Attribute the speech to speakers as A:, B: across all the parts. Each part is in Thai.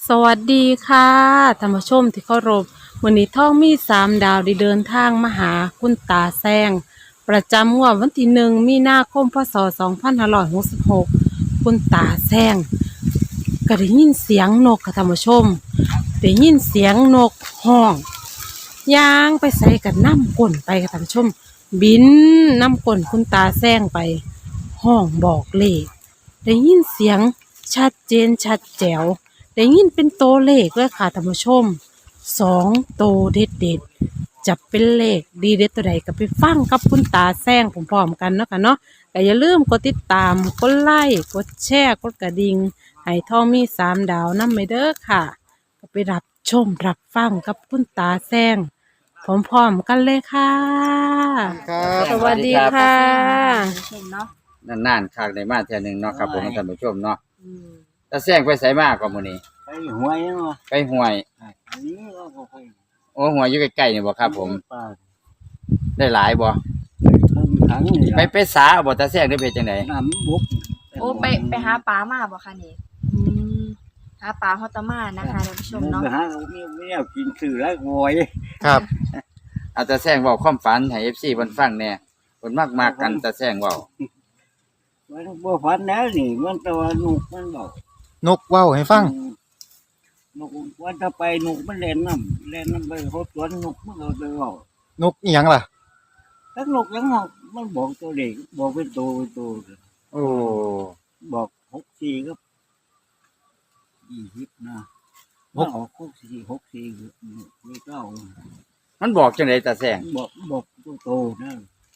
A: สวัสดีค่ะท่านผู้ชมที่เคารพวันนี้ท่องมี3 ดาวได้เดินทางมาหาคุณตาแซงประจำงวดวันที่1 มีนาคมพศ2566คุณตาแซงก็ได้ยินเสียงนกค่ะท่านผู้ชมได้ยินเสียงนกห้องย่างไปใส่กับน้ำก้นไปค่ะท่านผู้ชมบินน้ำก้นคุณตาแซงไปห้องบอกเลขได้ยินเสียงชัดเจนชัดแจ๋ว ได้ยินเป็นตัวเลขเลยค่ะท่านผู้ชม2 ตัวเด็ดเด็ดจะเป็นเลขดีเด็ดตัวใดก็ไปฟังกับคุณตาแซงพร้อมๆกันเนาะค่ะเนาะแต่อย่าลืมกดติดตามกดไลค์กดแชร์กดกระดิ่งให้ท่องมี3 ดาวนำไปเด้อค่ะก็ไปรับชมรับฟังกับคุณตาแซงพร้อมๆกันเลยค่ะ
B: ครับ
A: สวัสดีค่ะ
C: เห็นเนาะ
B: นานๆครั้งได้มาเทื่อหนึงเนาะครับผมท่านผู้ชมเนาะ
C: อืม
B: ตาแซงไปไสมาก็มื้อนี้
D: ไปหวยเนาะ
B: ไปห้วย
D: อันนี้เราก็ไป
B: โอ้ห้วยอยู่ใกล้ๆนี่บ่ครับผม
D: ป่า
B: ได้หลายบ่
D: เพิ่งถังนี่
B: ไปสาบ่ตาแซงได้ไปจังได๋
D: น้ำบุก
C: โอ้ไปหาปลามาบ่คะนี่อืมหาปลาฮอตมานะคะท่านผู้ชมเนาะ
D: ไปหาไม่เอากินสื่อแล้วหวย
B: ครับเอาตาแซงเว้าความฝันให้ FC เพิ่นฟังแหน่เพิ่นมักกันตาแซงเว้า
D: มันบ่ฝันแล้วนี่มันตัวนุกมันบอก
E: นกเว้าให้ฟัง
D: นกว่าจะไปนกมันเล่นน้ำไปเขาสวนนกมันเอาไปบอก
E: นกอีหยังล่ะ
D: ทั้งนกทั้งนกมันบอกตัวเด็กบอกเป็นตัว
B: โอ้
D: บอก64ครับ20นะมันออก64ไม่เก้า
B: มันบอกจังได๋ตาแซง
D: บอกตัวโตนะ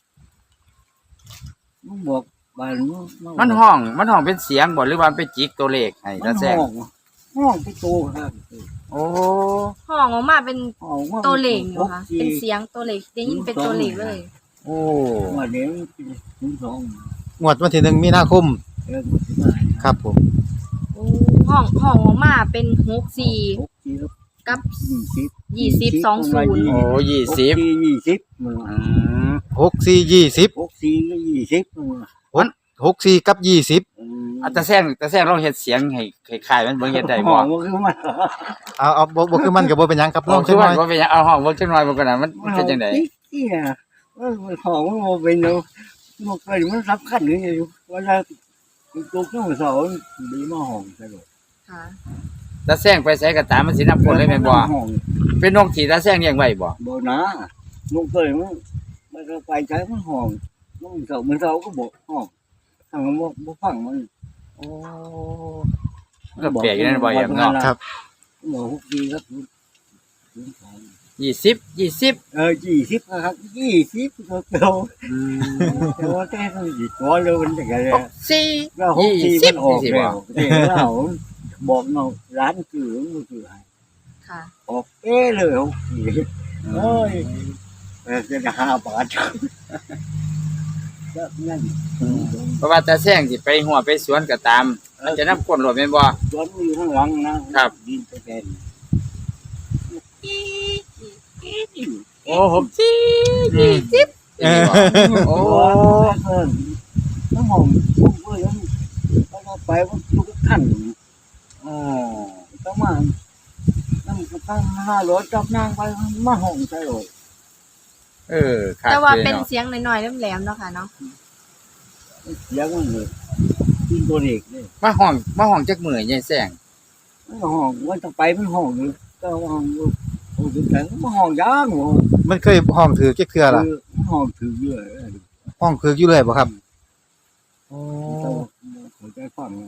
D: มันบอกบ้าน
B: มันห้องเป็นเสียงบ่หรือว่ามันเป็นจิกตัวเลขให้ตาแซง
D: ห้องที่โตครับ
B: โอ้
C: ห้องออกมาเป็น
D: ห้องว่า
C: ตัวเลขอยู่ค่ะเป็นเสียงตัวเลขได้ยินเป็นตัวเลขเลย
B: โอ้
D: วันนี้ถึงสอง
E: งวดวันที่1 มีนาคม
D: แล้วก็สิมา
E: ครับผม
C: โอ้ห้องออกมาเป็น64
D: 64ครับ
C: กับ
D: 20
C: 20
B: โอ้20
D: 20มัน
B: อืม
E: 64 20
D: 64ก็20
E: 64กับ20
B: ตาแซงลองเฮ็ดเสียงให้คล้ายๆมันเบิ่งเฮ็ดได้บ่
D: ห้องมันคือมัน
E: เอาบ่คือมันก็บ่เป็นหยังครับล
B: ล
E: อ
B: อง ง
E: จั
B: คื
E: ง
B: อ
E: หน่
B: ว่า
E: อย
B: บ่เป็นหยังเอาห้องเบิ่งจังหน่อยมันก็น่ะมันเป็นจังได๋
D: ที่น่ะมันของมันบ่เป็นเนาะมันเคยมันสำคัญอยู่เวลาตัวเครื่องเสาดีมาห้องใช่บ่
C: ค่ะ
B: ตาแซงไปไสก็ตามมันสินำคนเลยแม่นบ่
D: ห้อง
B: เป็นนกที่ตาแซงเลี้ยงไว้บ่
D: บ่นะลูกเคยมันก็ไปใช้มันห้องมันเสาก็บอกห้องทางบ่ฟังมัน
B: โอ้ก็แปลกอยู่นั่นบ่แอมเนาะ
E: ครับ
D: บอกฮุกดีครับ
B: 20
D: 20ครับ20ก็เก่า
B: อืม
D: แต่ว่าแต่ก็สิตัวเลยมันจังไงเลย
B: 4
D: ก็ฮุกดีมันออก
B: 20
D: แล้วแต่เราบอกเนาะร้านคือมันคือให้
C: ค่ะ
D: ออกเลยฮุกดีโอ้ยจะ5 บาทก็นั่น
B: เพราะว่าตาแซงสิไปหัวไปสวนก็ตาม มันจะนำคนรถแม่นบ่
D: สวนอยู่ข้างหลังนะครับดินตะแกน
B: โอ้ผม20
E: เออ
B: โอ้
D: น้ำหอมลูกเอ้ยมันไปมันลูกท่าน
B: โอ้
D: ต้องมาน้ำกระตั้ง500จับนางไปมาห้องใส่เลย
B: ครับ
C: แต่ว่า
B: ลย
C: เป็น
B: นาะ
C: เสียงน้อยๆแหลมๆเนาะค่ะเนาะ
D: เสียงมันเลยกินตัวเด็กเลย
B: มาห้องจักมื้อยายแซง
D: มันห้องมันต้องไปมันห้องอยู่ก็ห้องอยู่โอ้ถึงแต่มันห้องยางหัว
E: มันเคยห้องถือเก๊กเทื่อล่ะ
D: มันห้องถือเยอะ
E: ห้องคืออยู่เลยบ่ครับโอ้
D: หัวใจฟัง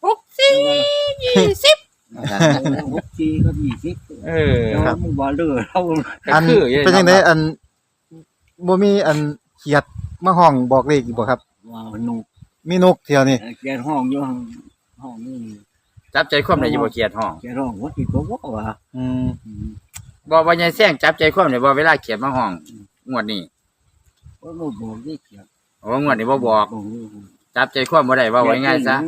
C: 64 20
D: ก็20แต่ว่ามันบ่เลือเรา
E: อัน
B: ก็คืออยู่
E: เป็นจังได๋อันบ่มีอันเขียดมาห้องบอกเลขอีกบ่ครับ
D: ว่าหนู
E: มีนกเที่ยวนี่
D: แกห้องอยู่ห้องนี่
B: จับใจความได้อยู่บ่เกียดห้อง
D: แกห้องว่าที่ตัวว่า
E: อืม
B: บ่ว่ายายแซงจับใจความได้บ่เวลาเขียนมาห้องงวดนี้
D: ว่าเราบอกได้เขียน
B: โอ้งวดนี้บ่บอกจับใจความบ่ได้ว่าไว้ง่ายซะ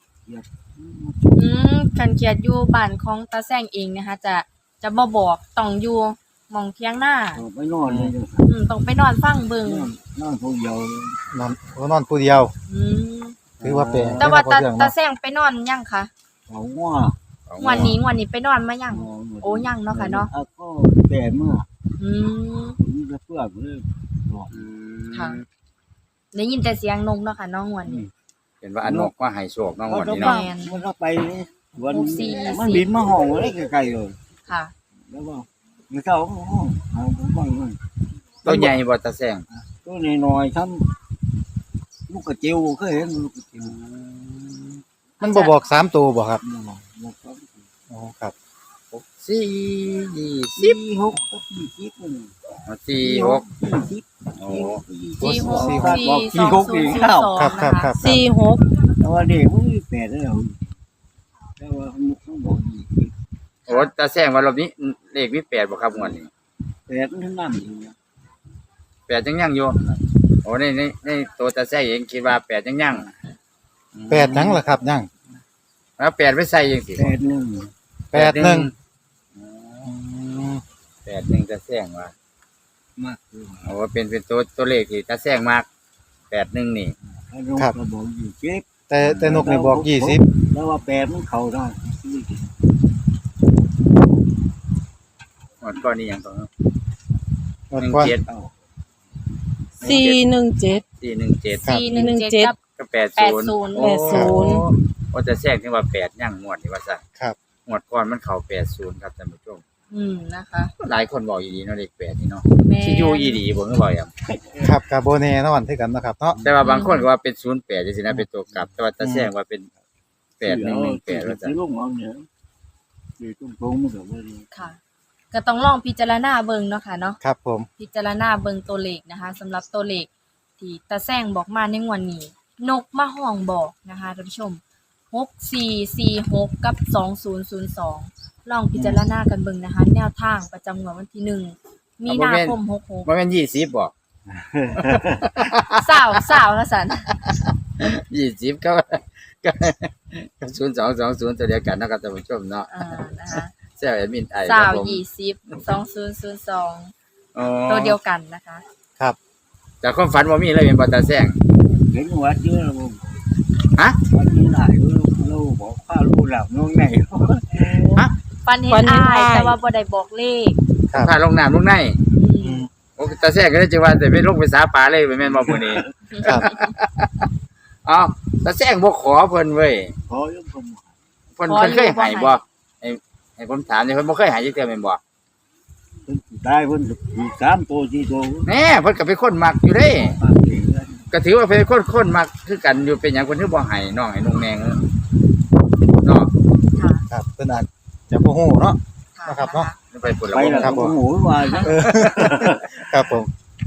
C: กันเขียดอยู่บ้านของตาแซงเองนะคะจะบ่บอกต้องอยู่หม่องเที่ยงหน้า
D: ไปนอนเลย
C: ต้องไปนอนฟังเบิ่ง
D: นอนผู้เดียวน
E: อนผู้เดียว
C: อืม
E: ถือว่าแปลก
C: แต่ว่า
E: เรื่อง
C: ตา
E: เนาะ
C: แซงไปนอนยังคะ
D: เขาว่า
C: วันนี้ไปนอนมายังโอ้ยังเนาะค่ะเนาะ
D: ก็แต่เมื่อ
C: อืม
D: ผมจะเพื่อนเลยบอก
B: อืม
C: ค่ะได้ยินแต่เสียงนกเนาะค่ะเน้องวันนี้
B: เห็นว่าอันนกก็ให้โชคน้อง
D: เขา
B: วัน
D: จะ
B: นี้
D: มา
B: เนาะ
D: มันก็ไปวัน
C: 64
D: มันบินมาห้องไว้ไกลๆเลย
C: ค่ะ
D: แล้วก็มันเข้าห้องหาผมฟังมัน
B: ตัวใหญ่บ่ตาแซง
D: ตัวน้อยๆทำลูกกระเจียวเคยเห็นลูกกระเจียว
E: มันบ่บอก3ตัวบ่ครับ
D: บอกครับ
E: อ๋อครับ
B: 4 20
D: สี่หกก็สี่สิบนึง
B: 46
D: สี่สิบ
B: โอ้
C: สี่หก
E: สี่
C: สี่
E: หก
C: สองศูนย์
E: ครับครับครับ
A: 46
D: แต่ว่าเด็กมันมีแปดแล้วแต่ว่าเขาบอกยี่สิบ
B: โอ้ตาแซงว่ารอบนี้เลขมี8บ่ครับงวดนี้
D: แปดมันนั่นอยู่นะ
B: 8ยังอยู่โอ้ในตัวตาแซงเองคิดว่า8ยัง
E: แปดหยังล่ะครับยัง
B: แล้ว8ไปใส่จังซี่
D: แปดหนึ่ง
E: 81อืม
B: 81ตาแซงว่าม
D: ากคือ
B: โอ้เป็นตัวเลขที่ตาแซงมาก81นี่
D: เขาก็บอกยี่สิบ
E: แต่นกนี่บอก20
D: แล้วว่าแปดมันเข้าได้
B: งวดก่อนนี่หยังต่อ
E: งวดก่อน
B: 17
D: เอา
A: 417
B: 417
C: 417กับ
B: ก็80
C: 80
B: โอ้
A: 80
B: โอ้ตาแซงถึงว่า8ยังงวดนี่ว่าซั่น
E: ครับ
B: งวดก่อนมันเข้า80ครับท่านผู้ชม
C: นะคะ
B: หลายคนบอกอีดีเนาะเลข8นี่เนาะ
C: แม่
B: สิอยู่อีดีบ่คือบ่หยัง
E: ครับก็บ่แน่นอนคือกันเนาะครับเนาะ
B: แต่ว่าบางคนก็ว่าเป็น08จังซี่นะเป็นตัวกลับ แต่ว่าตาแซงว่าเป็น8118ว่าซั่น
D: ลูกเอาเนี่ยอยู่ตรงๆมันก็บ่ดี
C: ค่ะ ก็ต้องลองพิจารณาเบิ่งเนาะค่ะเนาะ
E: ครับผม พิ
C: จารณาเบิ่งตัวเลขนะคะสำหรับตัวเลขที่ตาแซงบอกมาในงวดนี้ นกมาห้องบอกนะคะท่านผู้ชม6446กับ2002ลองพิจารณากันเบิ่งนะคะ แนวทางประจำงวดวันที่1มีนาคม66
B: บ่แม่น20บ่
C: สาวละสัน
B: 20ก็0220ตัวเดียวกันเนาะครับท่านผู้ชมเนาะ
C: นะคะ
B: แซวแอดมินไอค
C: สา
B: รับ
C: ว
B: ผม
C: 2002
B: อ๋อ
C: ตัวเดียวกันนะคะ
E: ครับ
B: แต่ความฝันบ่มีเลยเป็นบ่ตาแซง
D: เห็นวัดเยอะแล้วผม
B: ฮะ
D: วัดนี้หลายลูกบอกข้าลูกหลับน้องไหน
C: ปันเห็
A: ปั
C: น
A: นเห็น
C: อ้าย
A: อ้าย
C: แต่ว่าบ่ได้บอกเลข
E: ครับ
B: พาลงน้ำลงใน
E: อืม
B: โอ้ตาแซงก็ได้จังว่าแต่ไปลงไปสาปลาเลยแม่นบ่มื้อนี้
E: ครับ
B: อ้าวตาแซงบ่ขอเพิ่นเว้ย
D: ขอยังผม
B: เพิ่นเคยให้บ่ให้ผมถามนี่เพิ่นบ่เคยให้จักเทื่อแม่นบ่
D: ได้เพิ่นอีก3ตัว4ตัว
B: แหน่เพิ่นก็เป็นคนมักอยู่เด้
D: ปากเสียง
B: ก็ถือว่าเป็นคนมักคือกันอยู่เป็นหยังเพิ่นถึงบ่ให้น้องให้นุ่งแนงเนาะ
C: ค่ะ
E: ครับเพิ่นอาจจะบ่ฮู้เนาะ นะครับเนาะ
B: ไปพุ่นละ
D: ไป
B: บ่
D: แล้ว
E: ครับผม
D: หมูว่านะ
E: ครับผม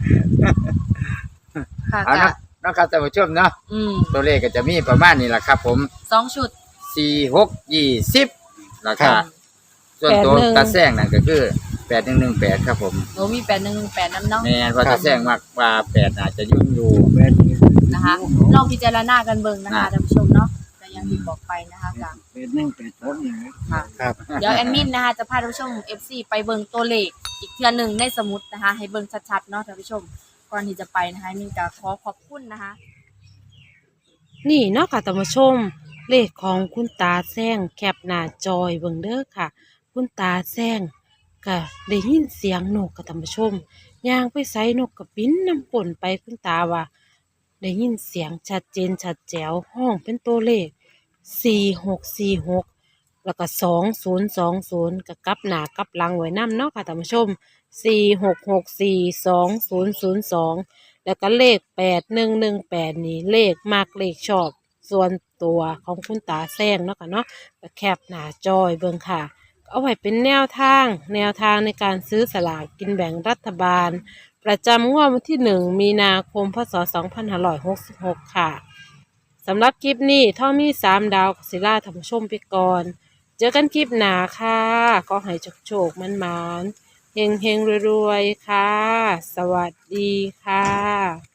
C: ค่ะ
B: เอา
C: ก็
B: นะครับท่านผู้ชมเนาะ ตัวเลขก็จะมีประมาณนี้ล่ะครับผม
C: 2ชุด
B: 4 6 20ราคาส่วนตัว
A: 81
B: ตาแซงนั่นก็คือ8118ครับผม
C: โอ้มี8118นำเนาะ
B: แม่นว่าตาแซงมักว่า8อาจจะยุ่งอยู่
D: แม่น
C: นะคะลองพิจารณากันเบิ่งนะคะท่านผู้ชมเนาะก็อย่างที่บอกไปนะคะค่ะ
D: เป็น1เป็น2อย่างนี้
E: ครับ
C: เดี๋ยวแอดมินนะคะจะพาท่านผู้ชม FC ไปเบิ่งตัวเลขอีกเทื่อหนึงในสมุดนะคะ ให้เบิ่งชัดๆเนาะท่านผู้ชมก่อนที่จะไปนะคะมินก็ขอบคุณนะคะ
A: นี่เนาะค่ะท่านผู้ชม เลขของคุณตาแซงแคปหน้าจอยเบิ่งเด้อค่ะ คุณตาแซงก็ได้ยินเสียงนกค่ะท่านผู้ชมย่างไปไสนกก็บินนำป่นไปคุณตาว่า ได้ยินเสียงชัดเจนชัดแจ๋วห้องเป็นตัวเลข4646แล้วก็2020ก็กลับหน้ากลับหลังไว้นำเนาะค่ะท่านผู้ชม46642002แล้วก็เลข8118นี่เลขมากเลขชอบส่วนตัวของคุณตาแซงเนาะค่ะเนาะก็แคปหน้าจอยเบิ่งค่ะ เอาไว้เป็นแนวทางในการซื้อสลากกินแบ่งรัฐบาล ประจำงวดวันที่ 1 มีนาคม พศ 2566 ค่ะ สำหรับคลิปนี้ท่อมี 3 ดาวกสิล่าท่านผู้ชมไปก่อน เจอกันคลิปหน้าค่ะ ก็ให้โชคๆมันๆเฮงๆรวยๆ ค่ะ สวัสดีค่ะ